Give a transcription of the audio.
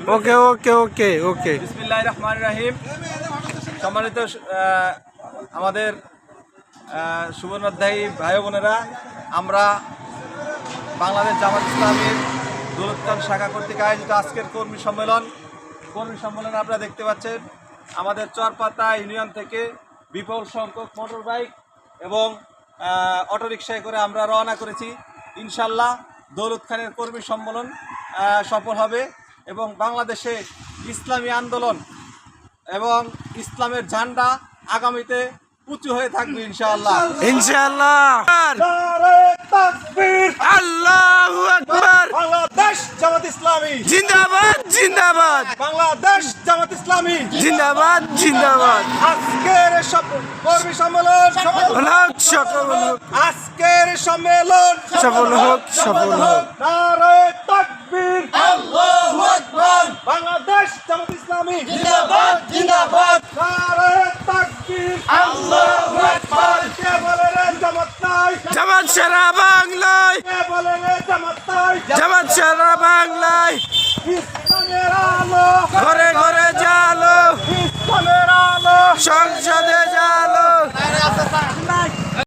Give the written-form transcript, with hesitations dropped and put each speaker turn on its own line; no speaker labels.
ওকে ওকে ওকে ওকে।
বিসমিল্লাহির রহমানির রহিম। সম্মানিত আমাদের সুবর্ণাধ্যায়ী ভাই বোনেরা, আমরা বাংলাদেশ জামাত ইসলামীর দৌলতখান শাখা কর্তৃক আয়োজিত আজকের কর্মী সম্মেলনে আপনারা দেখতে পাচ্ছেন আমাদের চরপাতা ইউনিয়ন থেকে বিপুল সংখ্যক মোটর বাইক এবং অটোরিকশায় করে আমরা রওনা করেছি। ইনশাল্লাহ দৌলতখানের কর্মী সম্মেলন সফল হবে এবং বাংলাদেশে ইসলামী আন্দোলন এবং ইসলামের ঝান্ডা আগামীতে উঁচু হয়ে থাকবে ইনশাআল্লাহ
ইনশাআল্লাহ। আল্লাহু আকবার।
বাংলাদেশ জামাত ইসলামী
জিন্দাবাদ জিন্দাবাদ।
বাংলাদেশ জামাত ইসলামী
জিন্দাবাদ জিন্দাবাদ।
আজকের কর্মী সম্মেলন
সফল হোক সফল হোক।
আজকের সম্মেলন
সফল হোক সফল হোক।
নারে তাকবীর,
আল্লাহু আকবার।
বাংলাদেশ জামাত ইসলামী
জিন্দাবাদ জিন্দাবাদ।
নারে তাকবীর,
আল্লাহু আকবার।
কে বলে রে জামাত নাই,
জামাত সারা বাংলায়,
কে বলে রে জামাত নাই,
জামাত সারা বাংলায়
ইসলামের আলো
ঘরে